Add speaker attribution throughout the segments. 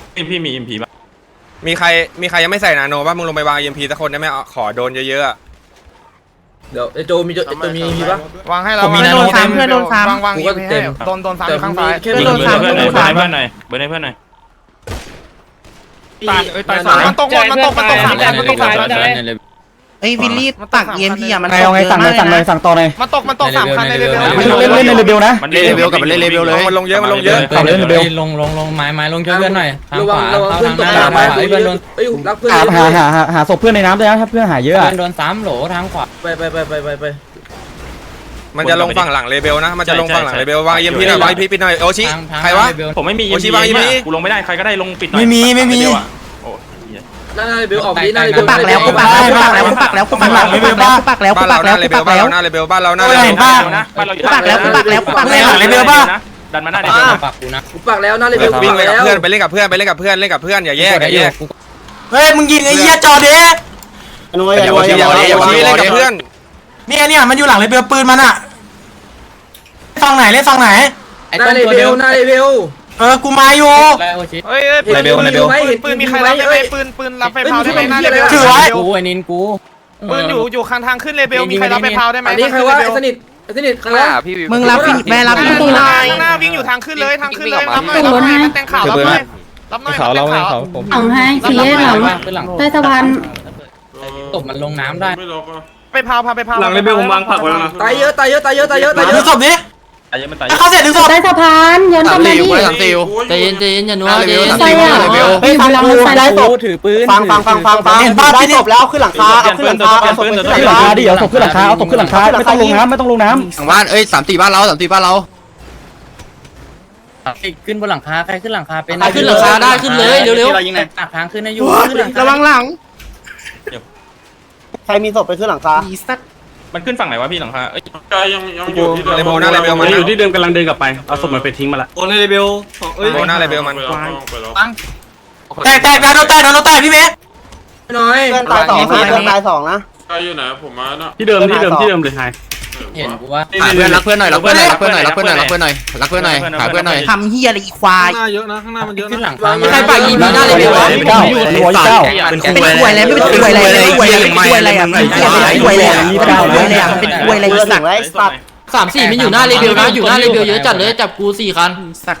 Speaker 1: พี่มีMPป่ะ
Speaker 2: มีใครยังไม่ใส่นาโนป่ะมึงลงไปวาง MP สักคนได้ไหมขอโดนเยอะๆ
Speaker 3: เดี๋ยวโจมีปะ
Speaker 4: วางให้เราโดนซ้ำเพื่อนโดนซ้ำวางอีกให้โดนซ้ำอยู่ข้างซ้าย
Speaker 1: ยิงเบอร์เพื่อนหน่อยเบอร์ให้เพื่อนหน่อยเบอร์ให้เพื่อนหน่อย
Speaker 4: ตายสามมันตก3 คันมันตก3 คัน
Speaker 5: ไอ้วิลลี่ตักEMPอ่ะมัน
Speaker 6: เอาไงสั่งเลยสั่งต่อเลย
Speaker 4: มันตก3 คันในเรือ
Speaker 6: เล่นในเบลนะ
Speaker 1: มันเล่นเบลกับมันเล่นเบลเลย
Speaker 2: มันลงเยอะ
Speaker 6: ขับเล่นในเบล
Speaker 7: ลงไม้ลงช่วยเพื่อนหน่อยทางขวาเข้าทางหน้าเพื่อนโดน
Speaker 6: หาศพเพื่อนในน้ำด้วยนะถ้าเพื่อนหายเยอะ
Speaker 7: เพื่อนโดน3โหลทางขวา
Speaker 3: ไป
Speaker 2: มันจะลงฝั่งหลังเลเบลนะมันจะลงฝั่งหลังเลเบลวาง EMP หน่อยวาง EMP ปิดหน่อยโอชิใครวะ
Speaker 1: ผมไม่มี
Speaker 2: โอชิวาง EMP
Speaker 1: กูลงไม่ได้ใครก็ได้ลงปิดหน่อย
Speaker 6: ไม่มี
Speaker 3: หน้าเบลออกดีหน้าเบล
Speaker 5: กูปักแล้วบ้านเราหน้าเลเบล
Speaker 2: บ้านเราหน้าเลเบล
Speaker 1: ดันมาหน้าเลเบล
Speaker 7: ปักกูนะ
Speaker 3: กูปักแล้วหน้าเลเบล
Speaker 2: วิ่งไปกับเพื่อนไปเล่นกับเพื่อนอย่าแยก
Speaker 6: เฮ้ยมึงยิงไอ้เหี้ยจอเด้
Speaker 2: อย่าเล่นกับเพื่อน
Speaker 6: เนี่ยมันอยู่หลังเลยเบลปืนมันอะฟังไหนเล่นฟังไหน
Speaker 3: หน้าเลเบล
Speaker 6: กูมาอยู่
Speaker 4: เฮ้ยปืนมีใครรับไหมปืนรับไฟเผาได้ไหมหน้าเลเบล
Speaker 7: กูไอ้นินกู
Speaker 4: ปืนอยู่ข้างทางขึ้นเลเบลมีใครรับไฟเผาได้ไหม
Speaker 3: อันนี้ใครว่าสนิทข้างหน้าพี่
Speaker 5: มึงรับแม่รับพี่
Speaker 4: ข้างหน้าวิ่งอยู่ทางขึ้นเลยรับหน่อยมันแต่งข่าวรับหน่อย
Speaker 8: เอาให้ทีเอสเราใต้สะพาน
Speaker 7: ตบมันลงน้ำได้
Speaker 4: ไปเผา
Speaker 1: หลังเลเบลผมวางผักไว้แล้วนะ
Speaker 3: ตายเยอะ
Speaker 6: ดึงศพดิเขาเสร็จดึงศพ
Speaker 8: ใต้สะพานย้อนกลับมาดิ
Speaker 7: ใจเย็นอย่านัวใจเย็น
Speaker 8: ใส่อะเฮ้ยเราใส่ได้ศพ
Speaker 7: ถือปืน
Speaker 6: ฟังเห็นบ้านได้ศพแล้วขึ้นหลังคาเอาศพขึ้นหลังคาดิเอาศพขึ้นหลังคาไม่ต้องลงน้ำ
Speaker 9: หลังบ้าน3-4บ้านเรา
Speaker 7: ขึ้นบนหลังคาใครขึ้นหลังคาเป็น
Speaker 9: ขึ้นหลังคาได้ขึ้นเลยเร็ว
Speaker 7: ตักทางขึ้นให้อยู่
Speaker 5: ระวังหลัง
Speaker 6: ใครมีศพไปขึ้นหลังคา
Speaker 1: มันขึ้นฝั่งไหนวะพี่หลังคา
Speaker 2: ยังอยู่เลเบลหน้าเลเบลมัน
Speaker 1: อยู่ที่เดิมกำลังเดินกลับไปเอาศพมันไปทิ้งมาละ
Speaker 9: โอ้ในเลเบล
Speaker 2: หน้าเลเบลมัน
Speaker 6: แตกโดนแตกพี่เมย์
Speaker 3: น้อย
Speaker 6: เพื่อนตาย2นะ
Speaker 1: ใครอยู่ไหนผมมาเนาะที่เดิมเลยไฮ
Speaker 7: เห็นกูว่า
Speaker 9: รักเพื่อนหน่อยหาเพื่อนหน่อย
Speaker 5: ทำเฮียอะไรอีควาย
Speaker 4: เยอะนะข้างหน้ามันเยอะ
Speaker 7: ขึ้นหลังคา
Speaker 3: ใครปากยิงหน้าเลเบลวะ
Speaker 5: เป็นควยอะไรไม่เป็นควยอะไรอ่ะเป็นควยอะไรมันเป็นควยอะไรสัก
Speaker 9: 3-4มันอยู่หน้าเลเบลนะอยู่หน้าเลเบลเยอะจัดเลยจับกู4 คัน
Speaker 5: สัก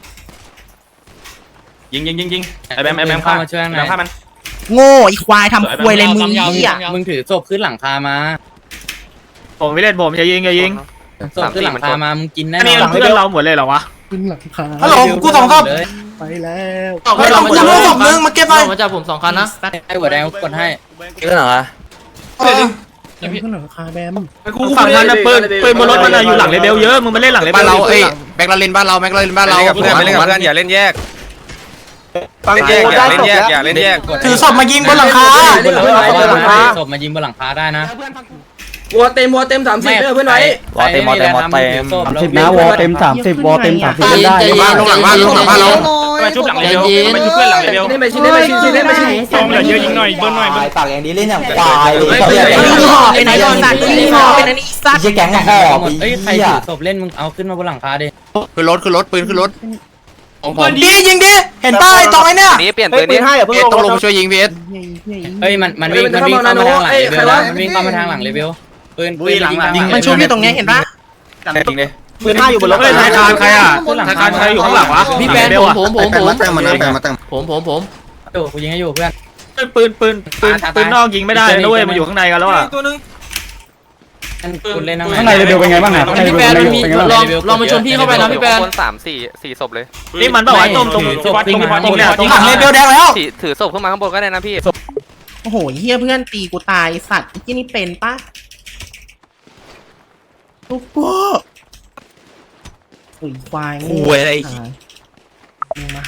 Speaker 1: ยิงไอ้แบมฆ่ามัน
Speaker 5: โง่อีควายทำควยอะไรมึงอ่ะ
Speaker 7: มึงถือศพขึ้นหลังคามา
Speaker 4: ผมไม่เล่นผมอย่ายิง
Speaker 7: ศพขึ้นหลังคามามึงกินแน่น
Speaker 4: นี่
Speaker 7: อน
Speaker 4: เพื่อนเราหมดเลยเหรอวะ
Speaker 6: ฮัลโหลกู2 ศพ
Speaker 5: ไปแล้ว
Speaker 6: ไม่ต้องกูศพนึงมาเก็บไป
Speaker 9: มาจับผม2 คันนะ
Speaker 7: ให้หัวแดงกดให้
Speaker 9: ขึ้นหรอ
Speaker 5: ขึ้นหลังคาแบม
Speaker 4: กูฝั่งนั้นนะปืนบนรถมันอยู่หลังเลเบลเยอะมึงมาเล่นหลังเลเบล
Speaker 9: บ้านเราแบ็คลาเลนบ้านเรา
Speaker 2: ไปเล่นกับเพื่อนอย่าเล่นแยกอย่าเล่นแยก
Speaker 6: ถือศพมายิงบนหลังคา
Speaker 7: ศพมายิงบนหลังคาได้นะ
Speaker 3: วัวเต็ม30เพื่อนไว้
Speaker 6: วอเต็ม30นะวอเต็ม30วอเต็ม30เล่นได้
Speaker 9: ลงหลังบ้านเรา
Speaker 1: มาชุบหลังเลเบลมาชุบเพื่อนหลังเลเบล
Speaker 3: เล่นไปชิ้น
Speaker 4: เยอะยิงหน่อยเบิ้ลหน่อย
Speaker 6: ปากอย่างนี้เล่นอย่างควาย
Speaker 5: เป็นไอ้สัตว์ที่หอเป็นไอ้สัตว์
Speaker 6: จะแก๊งห่อ
Speaker 7: เอ้ยใครถือศพเล่นมึงเอาขึ้นมาบนหลังคาดิ
Speaker 9: ขึ้นรถปืนขึ้นรถ
Speaker 6: ดียิงดิเห็นป้ายตรงไอ้เนี่ย
Speaker 9: นี่เปลี่ยนปืนนี้ต้องลงช่วยยิงพีเอส
Speaker 7: เอ้ยมันวิ่งเข้ามาทางหลังเลเวลมันวิ่งเข้ามาทางหลังเลเวลปืนยิง
Speaker 5: มันชุบอยู่ตรงนี้เห็นปะ
Speaker 2: จริงเลย
Speaker 6: ปืน5อยู่บนรถ
Speaker 4: ธนาคารใครอ่ะธนาคารใครอยู่ข้างหลังวะ
Speaker 9: พี่แบนผม
Speaker 7: กูยิงให้อยู่เพื่อน
Speaker 4: ปืนนอกยิงไม่ได้ด้วยมันอยู่ข้างในกันแล้วอ่ะ
Speaker 7: คุณเล่น
Speaker 6: ข้างในเร็วเป็นไงบ้างอ่ะ
Speaker 9: พี่แบนลองมาชนพี่เข้าไปนะพี่แบน
Speaker 1: คน3-4 ศพเลย
Speaker 4: นี่มันบอกว่าตรงเนี่ยตรง
Speaker 6: หลังเลเบลแดงแล้ว
Speaker 1: ถือศพขึ้นมาข้างบนก็ได้นะพี่
Speaker 5: โอ้โหเฮียเพื่อนตีกูตายสัตว์ที่นี่เป็นปะลูกพ่ออุ้ยควายงู
Speaker 9: อะไร
Speaker 5: มา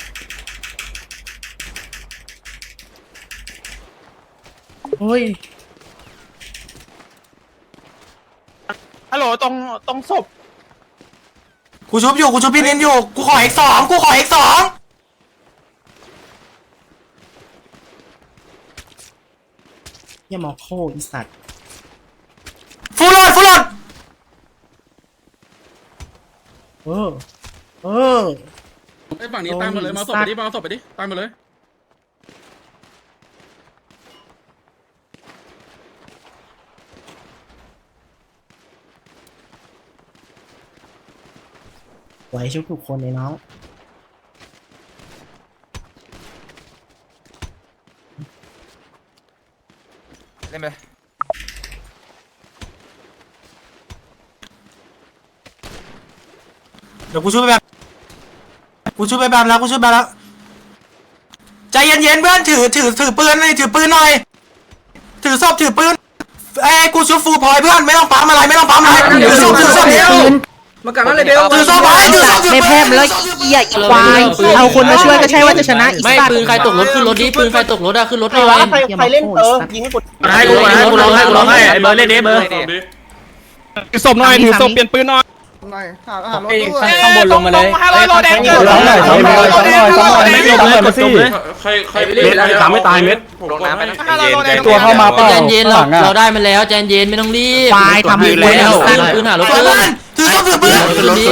Speaker 5: เฮ้ย
Speaker 4: ฮัลโหลตรงศพ
Speaker 6: กูชุบพี่เน้นอยู่กูขอ X2
Speaker 5: อย่ามองโคอีสัตว์
Speaker 6: ฟูลโหลดฝั่งนี้ตามมาเลยมาศพไปดิมาศพไปดิตามมาเลยไหวชุบทุกคนเลยน้อง
Speaker 2: เล่นไปเดี๋ยวกูช่วยไปแบบแล้วใจเย็นๆเพื่อนถือปืนหน่อยถือปืนหน่อยถือศพถือปืนกูชุบฟูพอยเพื่อนไม่ต้องปั๊มอะไรถือศพเดียว
Speaker 3: มากลับนั่นเลยเบล
Speaker 2: ถือศพไปถือศพ
Speaker 5: ไม่แพ้แล้วเหี้ยอีควายเอาคนมาช่วยก็ใช่ว่าจะชนะอีก
Speaker 9: ไม่ปืนใครตกรถขึ้นรถดิปืนใครตกรถอะขึ้นรถ
Speaker 5: ใคร
Speaker 9: หน่อ
Speaker 5: วะ
Speaker 9: ย
Speaker 5: ใครเล่นยิงให้กด
Speaker 1: ให้กูร้องให้ไอ้เบอร์เล่นเบอร์ถือศพหน่อยถือศพเปลี่ยนปืนหน่อย
Speaker 7: ข้างบนลงมาเลย
Speaker 4: 500โลแดงเกิน
Speaker 6: ซ้ำหน่อยมาสิ
Speaker 4: ใครเล่นตามไม่ตายเม็ด
Speaker 1: ลงน้ำไปนะ
Speaker 6: ตัวเข้ามาเปล่า
Speaker 9: ใจเย็นเราได้มันแล้วใจเย็นไม่ต้องรีบ
Speaker 5: ควายทำอยู่แล้ว
Speaker 9: ปืนหารถขึ้น
Speaker 2: ถือศพถือปืน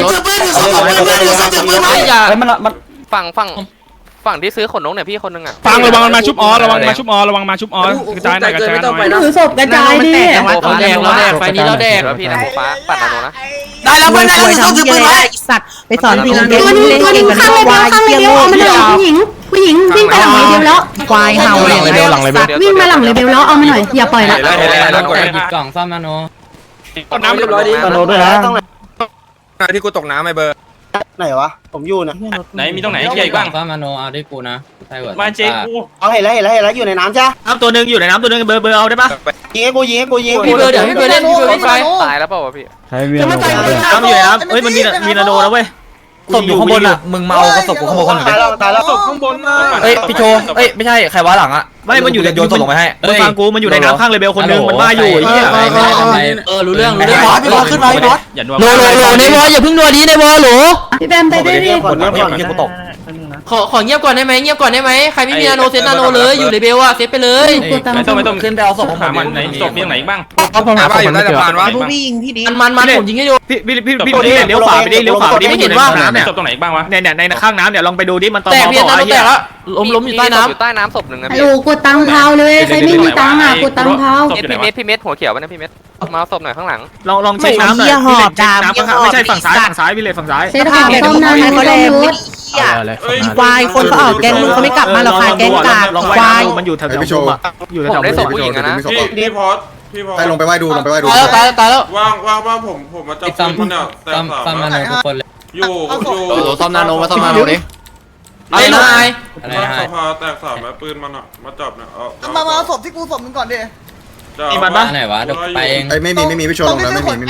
Speaker 9: ไอ้อย่า
Speaker 6: เฮ้ยมัน
Speaker 1: ฝั่งที่ซื้อขนนกเนี่ยพี่คนนึงอ่ะ
Speaker 4: ฟังระวังมันมาชุบออระวังมาชุบออกระจายหน่อยกระจายหน่อย
Speaker 8: ถือศพกระจายดิ
Speaker 9: เราแดกไฟนี้เราแดก
Speaker 1: แล้วพี่นะฟ้าปัดนาโนนะ
Speaker 2: ได้แล้วเพื่อนได้แล้วถือศพถือปืนไว้
Speaker 5: สัตว์ไปสอนพี่เล่น
Speaker 8: ตัวนึงข้างเลยข้างเลยเอามาหน่อยผู้หญิงวิ่งไปหลังเลยเบลแล้ว
Speaker 5: ควายเห่าเลย
Speaker 8: วิ่งมาหลังเลยเบลแล้วเอามาหน่อยอย่าปล่อยละ
Speaker 7: หยิบกล่องซ่อมนาโน
Speaker 4: กดน้ำ
Speaker 3: เรียบร้อยดิ
Speaker 6: ตโนด้วยนะ
Speaker 2: ที่กูตกน้ำไอ้เบอร์
Speaker 5: ไหนวะผมอยู่นะ
Speaker 1: ไหนมีตรงไหนเกียร์อีกบ้าง
Speaker 7: ซ่อมนาโนเอาได้กูนะใช่เหรอ
Speaker 1: มาเจ๊กู
Speaker 5: เอาเห็นแล้วอยู่ในน้ำจ้ะ
Speaker 1: น้ำตัวนึงอยู่ในน้ำตัวนึงเบอร์เอาได้ปะ
Speaker 5: ยิงให้กู
Speaker 9: พี่เบอร์เดี๋ยวพี่เบอร์เล่นพี่เบอร์วิ่งไฟ
Speaker 1: ตายแล้วเปล่าวะพี่
Speaker 6: ใครเวียน
Speaker 1: น้ำอยู่ในน้ำเอ้ยมันมีนาโนแล้วเว้ยศพอยู่ข้างบนอ่ะมึงเมาก็ศพกูข้างบนคนหนึ่ง
Speaker 5: ตายแล้ว
Speaker 4: ข้างบนนะ
Speaker 1: เอ้ยพี่โชเอ้ยไม่ใช่ใครวะหลังอ่ะไม่มันอยู่ในโยนศพลงไปให้มึงฟังกูมันอยู่ในน้ำข้างเลเบลคนนึงมันว่าอยู่ไอ้เหี้ย
Speaker 9: รู้เรื่อง
Speaker 2: พี่บอสขึ้นมาพี่บอส
Speaker 1: อย่านัว
Speaker 9: โลในวออย่าเพิ่งนัวดีในวอหรอ
Speaker 8: พี่แบมไปได้ดิ
Speaker 2: ผลน้ำก่อนที่กูตก
Speaker 9: ขอเงียบก่อนได้ไหมเงียบก่อนได้ไหมใครไม่มีนาโนเซตนาโนเลยอยู่ในเบลอะเซตไปเลย
Speaker 1: ไม่ต้องขึ้นไปเอาศพหามันในศพมีตรงไหนบ้าง
Speaker 2: หาบ้าอยู่ใต้สะพานวะ
Speaker 5: พี่ยิงพี่ดี
Speaker 9: มันผมยิงให้ดู
Speaker 1: พี่เลี้ยวขวาไปดิไม่เห็นว่าน้ำเนี่ยศพตรงไหนบ้างวะเนี่ยในข้างน้ำเนี่ยลองไปดูดิมันตอ
Speaker 9: แตกเพี้ยนนาโนแตกแล้วล้มอยู่ใต้น้ำ
Speaker 1: อยู่ใต้น้ำศพหนึ่งนะ
Speaker 8: ฮัล
Speaker 1: พี่
Speaker 8: โหลกดตังเท้าเลยใครไม่มีตังอ่ะกดตังเท้า
Speaker 1: พี่เม็ดหัวเขียวไปนะพี่เม็ดมาศพหน่อยข้างหลัง
Speaker 5: ลองเช็คน้ำหน่อยไม่ใช่ฝั่งซ้าย
Speaker 1: พี่เลฝั่งซ้าย
Speaker 8: เซตของต้มน้ำเขาลงรถ
Speaker 5: ควายคนเขาออกแกงมึงเขาไม่กลับมาหรอกค่ะแกงกาดควาย
Speaker 1: มันอยู่แถวอยู่แถผมวได้ศพผู้หญิงนะ
Speaker 4: พี่พอส
Speaker 10: ไปลงไปไหว้ดูลงไปไหว้ดู
Speaker 9: ตายแล้ว
Speaker 4: ว่างผมมาจับ
Speaker 7: ซ่อม
Speaker 4: คนเนี่ยแต่
Speaker 7: ซ่อมนาโนทุกคนเลย
Speaker 4: อยู่
Speaker 1: ซ่อมนาโนมาซ่อมนาโนดิ
Speaker 9: ไอ้นาย
Speaker 7: อะไร
Speaker 4: ส
Speaker 7: นะ
Speaker 4: ภาแตกสามแล้วปืนมันอ่ะมาจับเนี่ย
Speaker 11: มาเอาศพที่กูศพมึงก่อนดิ
Speaker 1: นี่มันปะ
Speaker 7: ไหนวะเดี๋ยวไปเอง
Speaker 10: ไม่มีพี่โชว์ลงนะไม่มี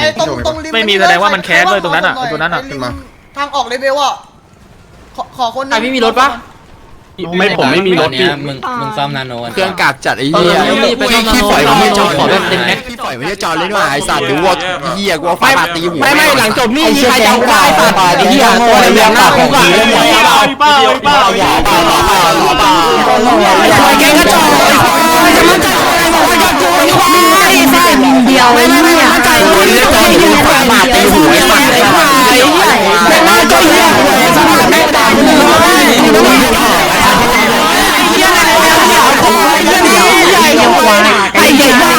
Speaker 1: ไม่มีแสดงว่ามันแค้นด้วยตรงนั้นอ่ะตัวนั้นอ่ะ
Speaker 10: ขึ้นมา
Speaker 11: ทางออกเลเวลอ่ะขอคน
Speaker 9: ใครไม่มีรถปะ
Speaker 1: ผมไม่มีรถ
Speaker 7: เนี่ยมึงซ่อมนาโน
Speaker 5: เครื่องกาดจัดไอ้
Speaker 9: เอ
Speaker 5: เหี้
Speaker 9: อย ไปซ่อมนาโนขอแบบเต็มแม็ก
Speaker 5: พี่ปล่อยไม่ได้จอดเลยด้วยไอ้สัตว์หรือว่าเหี้ยกูฟาดตีหัว
Speaker 6: ไม่หลังจบนี่มีใครจะเอาได้ป่ะไอ้เหี้ยโง่เลยเรื่องหน้าของผีเลยเปล่าแกก็จอด
Speaker 8: เดียวไม่เนี่ยใจเลยไม่อยู่ในบาทตีหัวแต่ว่าก็เหี้ยแม่ตายเลยไอ้เด็กบ้า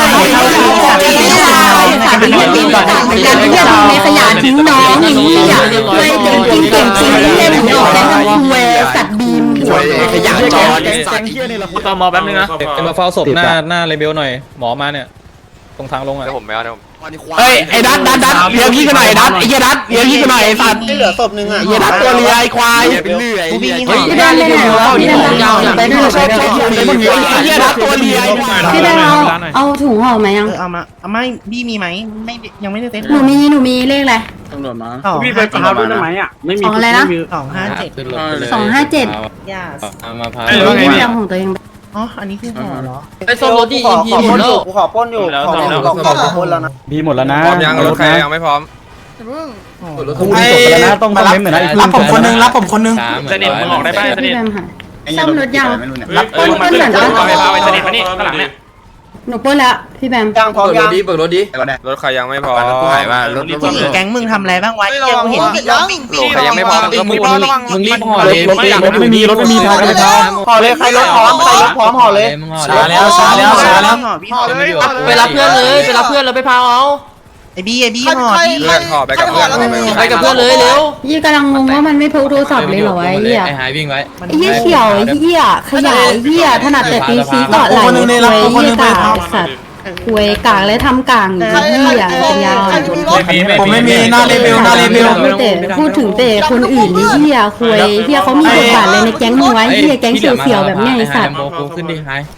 Speaker 8: เป็นเรื่องจริงก่อนการเรียกในขยะทิ้งน้องอย่างนี้ไม่ถึงทิ้งเก่งทิ้งเล่มหน่อยแล้วเวสัตว์บีม
Speaker 5: ขยะจอด
Speaker 1: ตอมอแป๊บนึงนะ
Speaker 4: มาเฝ้าศพหน้าเลเบลหน่อยหมอมาเนี่ยตรงทางลงอ่ะ
Speaker 1: เดี๋ยวผมไม่เอาเดี๋ยว
Speaker 5: เฮ้ยไอ้ดัดเลี้ยงพี่กันหน่อยดัดไอ้เหี้ยดัดเลี้ยงพี่กันหน่อยไอ้สัตว์เหลือศพนึงอ่ะไอ้เหี้ยดัดตัวเลียไอ้ควายเป็นเลื่อย
Speaker 8: พี่แดนเลยพี่แดนยาวไปด้วย
Speaker 5: ไอ้เหี้ยดัดตัวเลีย
Speaker 8: พี่แดนเอาถุงห่อไหมยัง
Speaker 5: เอามาไม่บี้มีไหมไม่ยังไม่ได้เซ็ต
Speaker 8: หนูมีเลขอะไร
Speaker 6: ตำรวจมา
Speaker 5: พี่ไปพาด้วยได้ไหมอ่ะ
Speaker 8: ของอะไรนะ
Speaker 5: 257
Speaker 7: ขึ้นรถเลย
Speaker 5: ย่า
Speaker 7: มาพา
Speaker 8: ไม่ได้ของตัวเอง
Speaker 5: อ๋ออันนี้คือห่อเหรอ
Speaker 9: ไอ้ซ่อมรถที่อีพีหมดแล้ว
Speaker 5: กูขอป้นอยู่ขอป้นแล้วนะ
Speaker 6: มีหมดแล้วนะ
Speaker 2: พร้อมยังรถใครยังไม่พร้อม
Speaker 6: จบไปแล้วนะต้องเล่นหน่อยนะรับผมคนนึง
Speaker 1: สนิทมึงออกได้ป่ะสนิท
Speaker 8: ซ่อมรถยัง
Speaker 1: รับต้นเหมือนกันไปสนิทมานี่ข้างหลังเนี่ย
Speaker 8: หนูปล้นแล้วพี่แบม
Speaker 5: ยังพร้อม
Speaker 3: เปิดร
Speaker 5: ยัง
Speaker 3: ถดิเปิดรถดิ
Speaker 4: รถใครยังไม่พอ
Speaker 10: กูหายว่ารถ
Speaker 5: แก๊งมึงทำอะไรบ้างวะ
Speaker 11: ระวังหัวยัง
Speaker 4: ใครยังไม่พอมึงก็พูด
Speaker 7: มึงรีบห่อเลย
Speaker 6: รถไม่มีพากันไปพา
Speaker 5: ห่อเลยใครรถพร้อมห่อเลย
Speaker 7: มึงห่อ
Speaker 2: ช้าแล้วช้าแล้วช้าแล้ว
Speaker 9: ไปรับเพื่อนเลยไปรับเพื่อนแล้วไปพาเอา
Speaker 5: ไอ้บี้ห่อที่
Speaker 4: เพื่อนขอไปกับเพื่อน
Speaker 9: ไปกับเพื่อนเลยเร็ว
Speaker 8: ยี่กำลังงงว่ามันไม่พกโทรศัพท์เลยเหรอไอ้เหี้ย
Speaker 7: ไอ้หายวิ่งไว้
Speaker 8: ไอ้เหี้ยเขียวไอ้เหี้ยขยายเหี้ยถนัดแต่ตีซีเกาะไหลคุยเหี้ยกากสัตว์คุยกากและทำกลางเหี้ยเป็นยาว
Speaker 2: ผมไม่มีหน้าเลเวลหน้าเลเวล
Speaker 8: ไม่แต่พูดถึงแต่คนอื่นนี่เหี้ยคุยเหี้ยเขามีบทบาทเลยในแก๊งมึงไว้เหี้ยแก๊งเสี่ยวๆแบบเนี้ยไอ้สัตว์
Speaker 7: โบกูขึ้นดิหาย